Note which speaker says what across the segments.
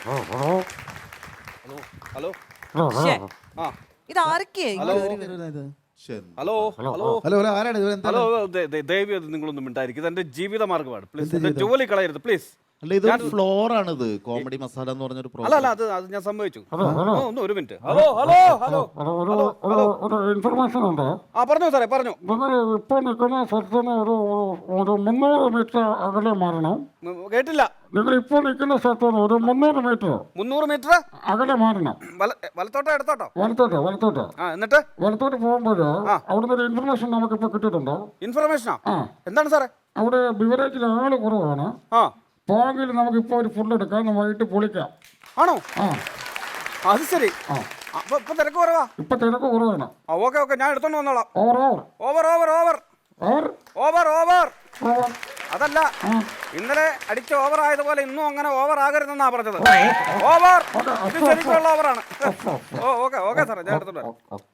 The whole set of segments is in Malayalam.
Speaker 1: ഹലോ
Speaker 2: ശ്ശേ,
Speaker 1: ആ
Speaker 2: ഇത് ആരൊക്കെയാ
Speaker 1: hello hello hello
Speaker 3: hello hello ആരാണ് ഇത്?
Speaker 1: ഹലോ ദയവ് ഇത് നിങ്ങളൊന്നും മിണ്ടായിരിക്കും. ഇത് എന്റെ ജീവിത മാർഗമാണ്. പ്ലീസ് എന്റെ ജോലി കളയരുത് പ്ലീസ്.
Speaker 4: അല്ല ഇത് ഫ്ലോർ ആണിത് കോമഡി മസാല എന്ന് പറഞ്ഞൊരു
Speaker 1: അല്ല അല്ല അത് ഞാൻ സമ്മതിച്ചു. ഒന്ന് ഒരു minute. Hello hello hello hello
Speaker 5: information ഉണ്ട്.
Speaker 1: ആ പറഞ്ഞോ സാറേ പറഞ്ഞോ.
Speaker 5: നിങ്ങൾ ഇപ്പോൾ നിൽക്കുന്ന സ്ഥലത്തിന് ഒരു 300 മീറ്റർ അകലെ മാറണം.
Speaker 1: കേട്ടില്ല.
Speaker 5: നിങ്ങൾ ഇപ്പോൾ നിൽക്കുന്ന സ്ഥലത്തിന് ഒരു 300 മീറ്റർ
Speaker 1: 300 മീറ്റർ
Speaker 5: അകലെ മാറണം.
Speaker 1: വലത്തോട്ടോ എടുത്തോട്ടോ?
Speaker 5: വലത്തോട്ട്
Speaker 1: ആ എന്നിട്ട്
Speaker 5: വലത്തോട്ട് പോകുമ്പോൾ അവിടുന്ന് ഒരു ഇൻഫർമേഷൻ നമുക്കിപ്പോൾ കിട്ടിയിട്ടുണ്ട്.
Speaker 1: ഇൻഫർമേഷനാ? എന്താണ് സാറേ?
Speaker 5: അവിടെ ബിവറേജിൽ ആള് കുറവാണ്.
Speaker 1: ആ
Speaker 5: പോകെങ്കിൽ നമുക്കിപ്പോൾ ഒരു ഫുഡ് എടുക്കാം, വൈകിട്ട് പൊളിക്കാം.
Speaker 1: ആണോ?
Speaker 5: ആ
Speaker 1: അത് ശരി. അപ്പൊ ഇപ്പൊ തിരക്ക് കുറവാ?
Speaker 5: ഇപ്പൊ തിരക്ക് കുറവാണ്.
Speaker 1: ഓക്കെ ഓക്കെ ഞാൻ എടുത്തോണ്ട് വന്നോളാം.
Speaker 5: Over
Speaker 1: over over over
Speaker 5: over
Speaker 1: over over
Speaker 5: over
Speaker 1: അതല്ല, ഇന്നലെ അടിച്ച ഓവർ ആയതുപോലെ ഇന്നും അങ്ങനെ ഓവർ ആകരുതെന്നാ പറഞ്ഞത്. ഓവർ ഇത് ശരിക്കുള്ള ഓവറാണ്. ഓക്കെ ഓക്കെ സാറേ ഞാൻ എടുത്തോണ്ട് വരാം.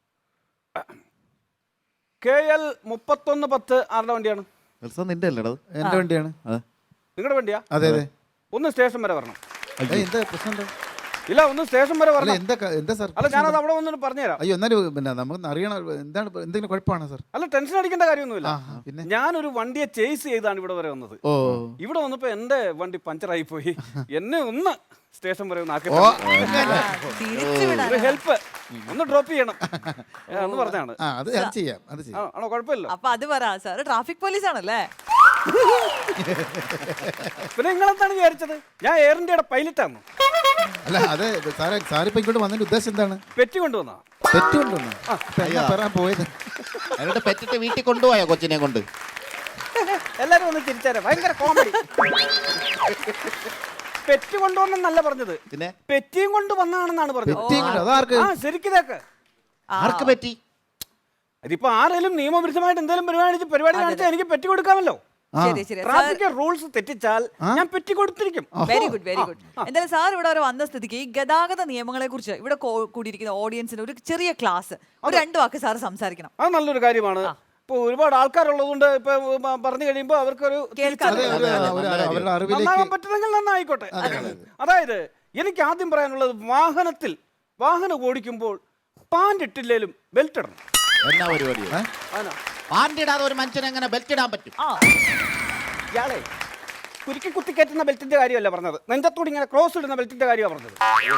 Speaker 1: KL 3110 ആരുടെ വണ്ടിയാണ്?
Speaker 4: നിന്റെ അല്ലേടത്?
Speaker 3: എന്റെ വണ്ടിയാണ്.
Speaker 1: നിങ്ങളുടെ വണ്ടിയാ?
Speaker 3: അതെ അതെ.
Speaker 1: ഒന്ന് സ്റ്റേഷൻ വരെ വരണം.
Speaker 3: എന്താ പ്രശ്നം?
Speaker 1: ഇല്ല ഒന്ന് സ്റ്റേഷൻ വരെ വരണം.
Speaker 3: എന്താ സാർ?
Speaker 1: അല്ല ഞാനത് അവിടെ വന്നിട്ട് പറഞ്ഞുതരാം.
Speaker 3: അയ്യോ എന്നാലും പിന്നെ നമുക്ക് അറിയണം എന്താണ്, എന്തെങ്കിലും കുഴപ്പമാണോ സാർ?
Speaker 1: അല്ല ടെൻഷൻ അടിക്കേണ്ട കാര്യമൊന്നുമില്ല.
Speaker 3: പിന്നെ
Speaker 1: ഞാനൊരു വണ്ടിയെ ചേസ് ചെയ്താണ് ഇവിടെ വരെ വന്നത്. ഇവിടെ വന്നപ്പോ എന്റെ വണ്ടി പഞ്ചറായി പോയി. എന്നെ ഒന്ന് സ്റ്റേഷൻ വരെ ഒന്ന് ആക്കി ഹെൽപ്പ് ഒന്ന് ഡ്രോപ്പ് ചെയ്യണം എന്ന് പറഞ്ഞാണ്.
Speaker 3: അത് ചെയ്യാം, അത് ചെയ്യാം.
Speaker 1: ആണോ? കുഴപ്പമില്ല.
Speaker 2: അപ്പൊ അത് പറ സാർ ട്രാഫിക് പോലീസ് ആണല്ലേ?
Speaker 1: പിന്നെ നിങ്ങളെന്താണ് വിചാരിച്ചത് ഞാൻ എയർ ഇന്ത്യയുടെ പൈലറ്റാണ്?
Speaker 3: അല്ല അതെ സാറേ, സാറിപ്പോ ഇങ്ങോട്ട് വന്നതിന്റെ ഉദ്ദേശം എന്താണ്?
Speaker 1: പെറ്റി കൊണ്ടുവന്നാ?
Speaker 3: പെറ്റ് കൊണ്ടുവന്നു പറയാൻ പോയത്?
Speaker 4: എന്നിട്ട് പെറ്റിട്ട് വീട്ടിൽ കൊണ്ടുപോയോ കൊച്ചിനെ കൊണ്ട്?
Speaker 1: എല്ലാരും ഒന്ന് ചിരിച്ചാരെ, ഭയങ്കര കോമഡി. പെറ്റ് കൊണ്ടുവന്നല്ല പറഞ്ഞത്,
Speaker 4: പിന്നെ
Speaker 1: പെറ്റിയും കൊണ്ട് വന്നാണെന്നാണ് പറഞ്ഞത്. ആ ശരിക്കിതേക്ക്
Speaker 4: ആർക്ക് പറ്റി?
Speaker 1: ഇതിപ്പോ ആരെങ്കിലും നിയമവിരുദ്ധമായിട്ട് എന്തെങ്കിലും പരിപാടി കാണിച്ചാൽ എനിക്ക് പെറ്റി കൊടുക്കാമല്ലോ. ട്രാഫിക് റൂൾസ് തെറ്റിച്ചാൽ ഞാൻ പെറ്റി കൊടുത്തിരിക്കും.
Speaker 2: Very good very good. എന്തായാലും സാർ ഇവിടെ വരെ വന്ന സ്ഥിതിക്ക് ഈ ഗതാഗത നിയമങ്ങളെ കുറിച്ച് ഇവിടെ കൂടിയിരിക്കുന്ന ഓഡിയൻസിന് ഒരു ചെറിയ ക്ലാസ്, ഒരു 2 വാക്ക് സാർ സംസാരിക്കണം.
Speaker 1: അത് നല്ലൊരു കാര്യമാണ്. ഇപ്പൊ ഒരുപാട് ആൾക്കാരുള്ളതുകൊണ്ട് ഇപ്പൊ പറഞ്ഞു കഴിയുമ്പോ അവർക്കൊരു നന്നാവാൻ പറ്റുന്നെങ്കിൽ നന്നായിക്കോട്ടെ. അതായത് എനിക്ക് ആദ്യം പറയാനുള്ളത്, വാഹനം ഓടിക്കുമ്പോൾ പാൻറ് ഇട്ടില്ലേലും ബെൽറ്റ് ഇടണം.
Speaker 4: എന്നാ പരിപാടി? പാൻറ് ഇടാതെ ഒരു മനുഷ്യൻ എങ്ങനെ ബെൽറ്റ് ഇടാൻ പറ്റും?
Speaker 1: ഇയാളെ കുരുക്കി കുത്തിക്കയറ്റുന്ന ബെൽറ്റിന്റെ കാര്യമല്ല പറഞ്ഞത്, നെഞ്ചത്തോട് ഇങ്ങനെ ക്രോസ് ഇടുന്ന ബെൽറ്റിന്റെ കാര്യമാണ് പറഞ്ഞത്.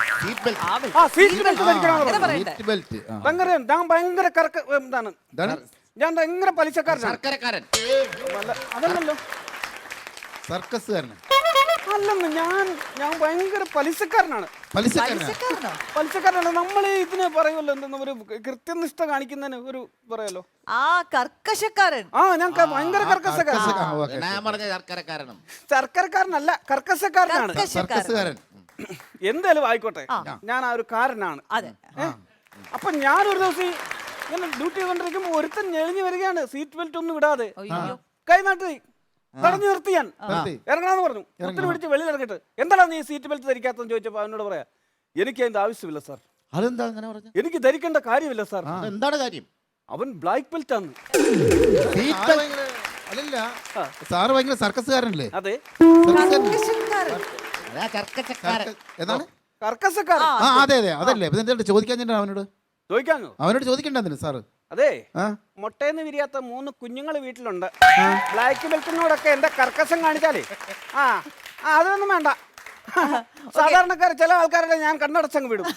Speaker 1: ഞാൻ ഭയങ്കര ഞാൻ ഭയങ്കര പലിശക്കാരൻ. അതല്ലല്ലോ
Speaker 3: സർക്കസുകാരന്
Speaker 1: അല്ലെന്ന്, ഞാൻ ഭയങ്കര പലിശക്കാരനാണ്. പലിശക്കാരനാണ്. നമ്മൾ ഇതിന് പറയുമല്ലോ എന്തെന്ന്, ഒരു കൃത്യനിഷ്ഠ കാണിക്കുന്നതിന് ഒരു പറയല്ലോ
Speaker 2: കർക്കശക്കാരൻ.
Speaker 1: ഞാൻ ഭയങ്കര കർക്കശക്കാരൻ. ശർക്കരക്കാരനല്ല, കർക്കശക്കാരനാണ്. എന്തായാലും ആയിക്കോട്ടെ, ഞാൻ ആ ഒരു കാരനാണ്. അപ്പൊ ഞാനൊരു ദിവസം ഇങ്ങനെ ഡ്യൂട്ടി ചെയ്തോണ്ടിരിക്കുമ്പോ ഒരുത്തൻ ഞെളിഞ്ഞു വരികയാണ്, സീറ്റ് ബെൽറ്റ് ഒന്നും ഇടാതെ. കൈ നാട്ടി തടഞ്ഞു നിർത്തി. ഞാൻ ഇറങ്ങാന്ന് പറഞ്ഞു. ഒത്തിരി പിടിച്ച് വെളിയിൽ ഇറങ്ങിട്ട്, എന്താണ് നീ സീറ്റ് ബെൽറ്റ് ധരിക്കാത്തെന്ന് ചോദിച്ചപ്പോ അവനോട് പറയാ, എനിക്ക് അതിന്റെ ആവശ്യമില്ല സാർ.
Speaker 4: അതെന്താ അങ്ങനെ പറഞ്ഞത്?
Speaker 1: എനിക്ക് ധരിക്കേണ്ട കാര്യമില്ല സാർ.
Speaker 4: എന്താണ് കാര്യം?
Speaker 1: അവൻ ബ്ലാക്ക് ബെൽറ്റ് ആണ്.
Speaker 3: അല്ലല്ല സാറ് ഭയങ്കര സർക്കസുകാരനല്ലേ?
Speaker 1: അതെ,
Speaker 3: എന്താണ്
Speaker 1: കർക്കശക്കാരൻ.
Speaker 3: അതെ അതെ അതല്ലേ? എന്താ ചോദിക്കാൻ അവനോട് ചോദിക്കണ്ടെന്നില്ല സാറ്?
Speaker 1: അതെ, മുട്ടയെന്ന് വിരിയാത്ത 3 കുഞ്ഞുങ്ങൾ വീട്ടിലുണ്ട്. ബ്ലാക്ക് ബെൽറ്റിനോടൊക്കെ എന്റെ കർക്കശം കാണിച്ചാലേ അതൊന്നും വേണ്ട. സാധാരണക്കാർ ചില ആൾക്കാരുടെ ഞാൻ കണ്ണടച്ചങ്ങ് വിടും.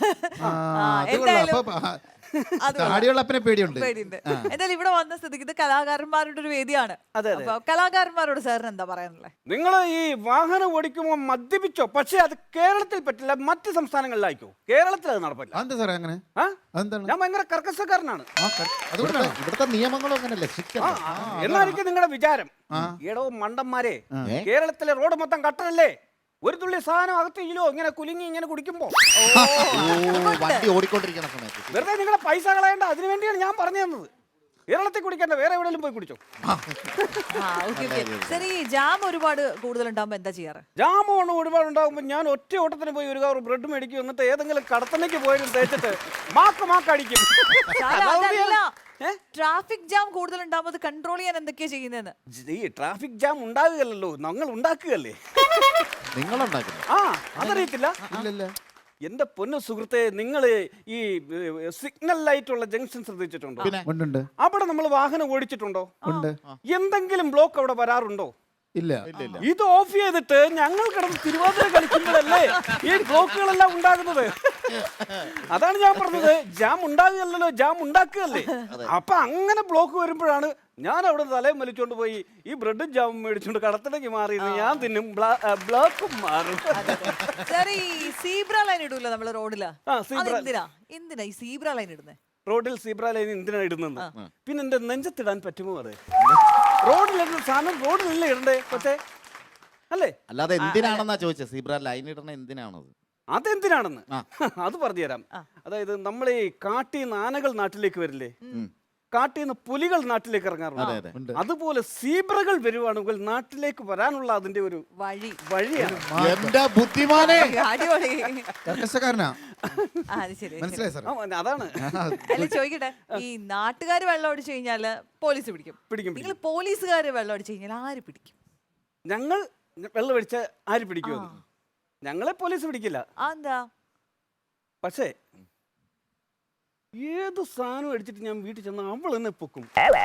Speaker 3: താടിയുള്ളപ്പനെ പേടിയുണ്ട്.
Speaker 2: എന്തായാലും ഇവിടെ വന്ന സ്ഥിതിക്ക് ഇത് കലാകാരന്മാരുടെ ഒരു വേദിയാണ്. കലാകാരന്മാരോട് സാറിന് എന്താ പറയാനുള്ളത്?
Speaker 1: നിങ്ങൾ ഈ വാഹനം ഓടിക്കുമ്പോൾ മദ്യപിച്ചോ, പക്ഷെ അത് കേരളത്തിൽ പറ്റില്ല, മറ്റ് സംസ്ഥാനങ്ങളിലായിക്കോ. കേരളത്തിൽ അത് നടപ്പില്ല.
Speaker 3: എന്താ സാറേ അങ്ങനെ?
Speaker 1: ഞാൻ ഭയങ്കര കർക്കശക്കാരനാണ്.
Speaker 4: ഇവിടുത്തെ നിയമങ്ങളും അങ്ങനല്ലേ?
Speaker 1: എന്നായിരിക്കും നിങ്ങളുടെ വിചാരം. എടോ മണ്ടന്മാരെ, കേരളത്തിലെ റോഡ് മൊത്തം കട്ടറല്ലേ? ഒരു തുള്ളി സാധനം അകത്തില്ലോ ഇങ്ങനെ കുലുങ്ങി ഇങ്ങനെ കുടിക്കുമ്പോ
Speaker 4: വണ്ടി ഓടിക്കൊണ്ടിരിക്കുന്ന സമയത്ത്
Speaker 1: വെറുതെ നിങ്ങളെ പൈസ കളയണ്ട. അതിനു വേണ്ടിയാണ് ഞാൻ പറഞ്ഞു തന്നത്. കേരളത്തിൽ കുടിക്കണ്ട, വേറെ എവിടെയെങ്കിലും പോയി കുടിച്ചോ.
Speaker 2: ശരി, ഈ ജാം ഒരുപാട് കൂടുതലുണ്ടാകുമ്പോ എന്താ ചെയ്യാറ്?
Speaker 1: ജാമോണ് ഒരുപാട് ഉണ്ടാകുമ്പോൾ ഞാൻ ഒറ്റ ഓട്ടത്തിന് പോയി ഒരു കവർ ബ്രെഡ് മേടിക്കും, എന്നിട്ട് ഏതെങ്കിലും കടത്തണയ്ക്ക് പോയാലും തേച്ചിട്ട് മാക്കടിക്കും.
Speaker 2: ട്രാഫിക് ജാം കൂടുതലുണ്ടാകുമ്പോൾ അത് കൺട്രോൾ ചെയ്യാൻ എന്തൊക്കെയാ ചെയ്യുന്നതെന്ന്?
Speaker 1: ഈ ട്രാഫിക് ജാം ഉണ്ടാകുകയല്ലോ, ഞങ്ങൾ ഉണ്ടാക്കുകയല്ലേ.
Speaker 4: നിങ്ങളുണ്ടാക്കുന്നു.
Speaker 1: ആ, അതറിയത്തില്ല.
Speaker 3: ഇല്ലല്ല.
Speaker 1: എന്റെ പൊന്നു സുഹൃത്തെ, നിങ്ങൾ ഈ സിഗ്നൽ ലൈറ്റ് ഉള്ള ജംഗ്ഷൻ ശ്രദ്ധിച്ചിട്ടുണ്ടോ?
Speaker 3: ഉണ്ട്.
Speaker 1: അവിടെ നമ്മൾ വാഹനം ഓടിച്ചിട്ടുണ്ടോ?
Speaker 3: ഉണ്ട്.
Speaker 1: എന്തെങ്കിലും ബ്ലോക്ക് അവിടെ വരാറുണ്ടോ?
Speaker 3: ഇല്ല.
Speaker 1: ഇത് ഓഫ് ചെയ്തിട്ട് ഞങ്ങൾ കിടന്ന് തിരുവാതിര കളിക്കുമ്പോഴല്ലേ ഈ ബ്ലോക്കുകളെല്ലാം ഉണ്ടാകുന്നത്. അതാണ് ഞാൻ പറഞ്ഞത്, ജാം ഉണ്ടാകുകയല്ലോ, ജാം ഉണ്ടാക്കുകയല്ലേ. അപ്പൊ അങ്ങനെ ബ്ലോക്ക് വരുമ്പോഴാണ് ഞാൻ അവിടെ തലയും വലിച്ചോണ്ട് പോയി ഈ ബ്രെഡും ജാമും മേടിച്ചോണ്ട് കടത്തിലേക്ക് മാറി ഞാൻ തിന്നും, ബ്ലോക്കും മാറും.
Speaker 2: സീബ്ര ലൈൻ ഇടൂല്ലോ നമ്മള് റോഡില്, എന്തിനാ ഈ സീബ്ര ലൈൻ ഇടുന്നത്?
Speaker 1: റോഡിൽ സീബ്ര ലൈൻ എന്തിനാ ഇടുന്നത്? പിന്നെ എന്റെ നെഞ്ചത്തിടാൻ പറ്റുമോ? അത് റോഡിലിടുന്ന സാധനം റോഡിലല്ലേ ഇടണ്ടേ പക്ഷേ, അല്ലേ?
Speaker 4: അല്ലാതെ എന്തിനാണെന്നാ ചോദിച്ചത്, സീബ്ര ലൈൻ ഇടണ എന്തിനാണത്?
Speaker 1: അതെന്തിനാണെന്ന് അത് പറഞ്ഞുതരാം. അതായത് നമ്മളെ കാട്ടിൽ ആനകൾ നാട്ടിലേക്ക് വരില്ലേ, കാട്ടിൽ നിന്ന് പുലികൾ നാട്ടിലേക്ക് ഇറങ്ങാറുണ്ട്. അതുപോലെ സീബ്രകൾ വരുവാണെങ്കിൽ നാട്ടിലേക്ക് വരാനുള്ള അതിന്റെ ഒരു വഴിയാണ്.
Speaker 4: എന്റെ ബുദ്ധിമാനെ,
Speaker 1: അതാണ്.
Speaker 2: അല്ല ചോദിക്കട്ടെ, ഈ നാട്ടുകാര് വെള്ളം അടിച്ചു കഴിഞ്ഞാല് പോലീസ് പിടിക്കും. നിങ്ങൾ പോലീസുകാര് വെള്ളം അടിച്ചു കഴിഞ്ഞാൽ ആര് പിടിക്കും?
Speaker 1: ഞങ്ങൾ വെള്ളം അടിച്ച ആര് പിടിക്കും? ഞങ്ങളെ പോലീസ് പിടിക്കില്ല.
Speaker 2: എന്താ? പക്ഷേ
Speaker 1: ഏത് സാധനം അടിച്ചിട്ട് ഞാൻ വീട്ടിൽ ചെന്ന അവൾ എന്നെ പൊക്കും.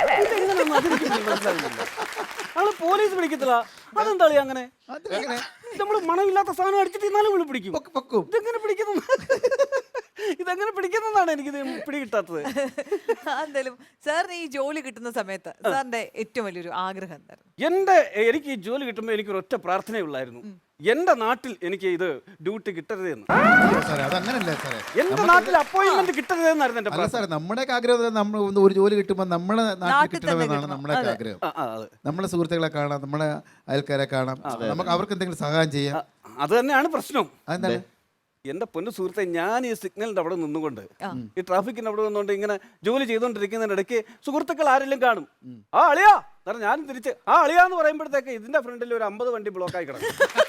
Speaker 1: അവള് പോലീസ് പിടിക്കത്തില്ല. അതെന്താ അങ്ങനെ? നമ്മള് മണമില്ലാത്ത സാധനം അടിച്ചിട്ട് ഇന്നാലും വിളി പിടിക്കും. ഇതെങ്ങനെ പിടിക്കുന്നു? ഇതെങ്ങനെ പിടിക്കുന്നതാണ് എനിക്കിത് പിടികിട്ടാത്തത്.
Speaker 2: എന്തായാലും സാറിന് ഈ ജോലി കിട്ടുന്ന സമയത്ത് സാറിന്റെ ഏറ്റവും വലിയൊരു ആഗ്രഹം എന്തായിരുന്നു?
Speaker 1: എനിക്ക് ഈ ജോലി കിട്ടുമ്പോൾ എനിക്കൊരു ഒറ്റ പ്രാർത്ഥനയുള്ളായിരുന്നു, എന്റെ നാട്ടിൽ എനിക്ക് ഇത് ഡ്യൂട്ടി കിട്ടരുതെന്ന്. എന്റെ നാട്ടിൽ അപ്പോയിന്റ്മെന്റ് കിട്ടരുതെന്നായിരുന്നു എന്റെ പ്രാർത്ഥന.
Speaker 3: നമ്മുടെ ആഗ്രഹം നമ്മൾ ഒരു ജോലി കിട്ടുമ്പോൾ നമ്മുടെ നാട്ടിൽ കിട്ടണമെന്നാണ് നമ്മുടെ ആഗ്രഹം. നമ്മളെ സുഹൃത്തുക്കളെ കാണാം, നമ്മളെ അയൽക്കാരെ കാണാം, നമുക്ക് അവർക്ക് എന്തെങ്കിലും സഹായം ചെയ്യാം.
Speaker 1: അത് തന്നെയാണ് പ്രശ്നം.
Speaker 3: അതെന്താണ്?
Speaker 1: എന്റെ പൊന്നു സുഹൃത്തെ, ഞാൻ ഈ സിഗ്നലിന്റെ അവിടെ നിന്നുകൊണ്ട്, ഈ ട്രാഫിക്കിന്റെ അവിടെ നിന്നുകൊണ്ട് ഇങ്ങനെ ജോലി ചെയ്തുകൊണ്ടിരിക്കുന്നതിനിടയ്ക്ക് സുഹൃത്തുക്കൾ ആരെങ്കിലും കാണും, ആ അളിയാ കാരണം ഞാനും തിരിച്ച് ആ അളിയാന്ന് പറയുമ്പോഴത്തേക്ക് ഇതിന്റെ ഫ്രണ്ടിൽ ഒരു 50 വണ്ടി ബ്ലോക്കായി കിടക്കും.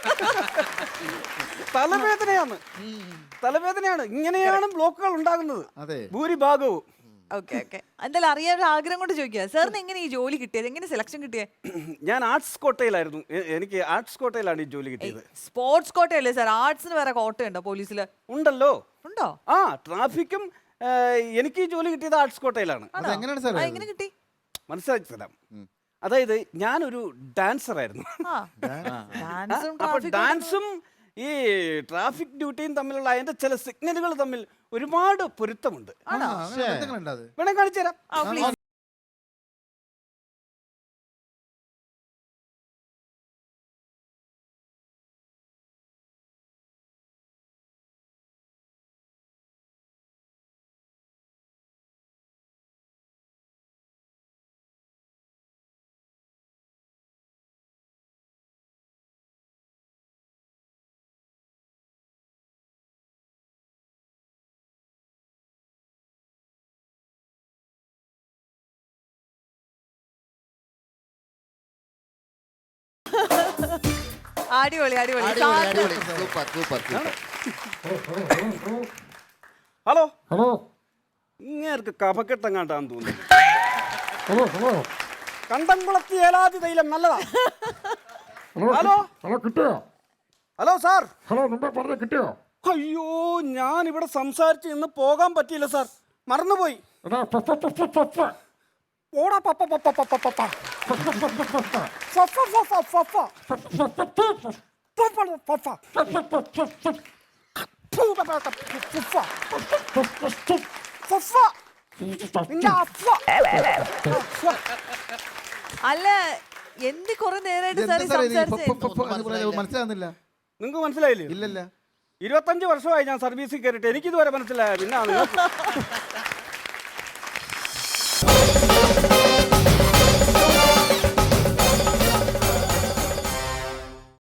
Speaker 1: തലവേദനയാണ്. ഇങ്ങനെയാണ് ബ്ലോക്കുകൾ ഉണ്ടാകുന്നത് ഭൂരിഭാഗവും.
Speaker 2: എന്തായാലും അറിയാൻ ആഗ്രഹം കൊണ്ട് ചോദിക്കുക, സാറിന് എങ്ങനെ ഈ ജോലി കിട്ടിയത്? എങ്ങനെ സെലക്ഷൻ കിട്ടിയത്?
Speaker 1: ഞാൻ ആർട്സ് കോട്ടയിലായിരുന്നു. എനിക്ക് ആർട്സ് കോട്ടയിലാണ് ഈ ജോലി കിട്ടിയത്.
Speaker 2: Sports കോട്ടയല്ലേ sir? ആർട്സിന് വേറെ കോട്ടയുണ്ടോ പോലീസില്?
Speaker 1: ഉണ്ടല്ലോ.
Speaker 2: ഉണ്ടോ?
Speaker 1: ആ, ട്രാഫിക്കും എനിക്ക് ഈ ജോലി കിട്ടിയത് ആർട്സ് കോട്ടയിലാണ്.
Speaker 2: എങ്ങനെ കിട്ടി?
Speaker 1: മനസ്സിലാക്കി തരാം. അതായത് ഞാനൊരു ഡാൻസർ ആയിരുന്നു. അപ്പൊ ഡാൻസും ഈ ട്രാഫിക് ഡ്യൂട്ടിയും തമ്മിലുള്ള അതിന്റെ ചില സിഗ്നലുകൾ തമ്മിൽ ഒരുപാട് പൊരുത്തമുണ്ട്. വേണേ കാണിച്ചു തരാം.
Speaker 2: അടിപൊളി അടിപൊളി.
Speaker 1: ഹലോ ഹലോ, ഇങ്ങേർക്ക് കഫക്കെട്ടെങ്ങാണ്ടാന്ന് തോന്നുന്നു. കണ്ടംകുളത്തി ഏലാതി തൈലം നല്ലതാ. ഹലോ
Speaker 5: ഹലോ, കിട്ടിയോ?
Speaker 1: Hello sir.
Speaker 5: ഹലോ, മുമ്പേ പറഞ്ഞ കിട്ടിയോ?
Speaker 1: അയ്യോ, ഞാൻ ഇവിടെ സംസാരിച്ച് ഇന്ന് പോകാൻ പറ്റിയില്ല സാർ, മറന്നുപോയി. ഓടാ പപ്പ പപ്പ പപ്പ പപ്പ
Speaker 2: അല്ല, എന്ത് കുറെ നേരമായിട്ട്
Speaker 3: മനസ്സിലാകുന്നില്ല.
Speaker 1: നിങ്ങൾക്ക് മനസ്സിലായില്ലേ?
Speaker 3: ഇല്ലല്ല.
Speaker 1: 25 വർഷമായി ഞാൻ സർവീസിൽ കയറിയിട്ട് എനിക്കിതുവരെ മനസ്സിലായ. പിന്നെ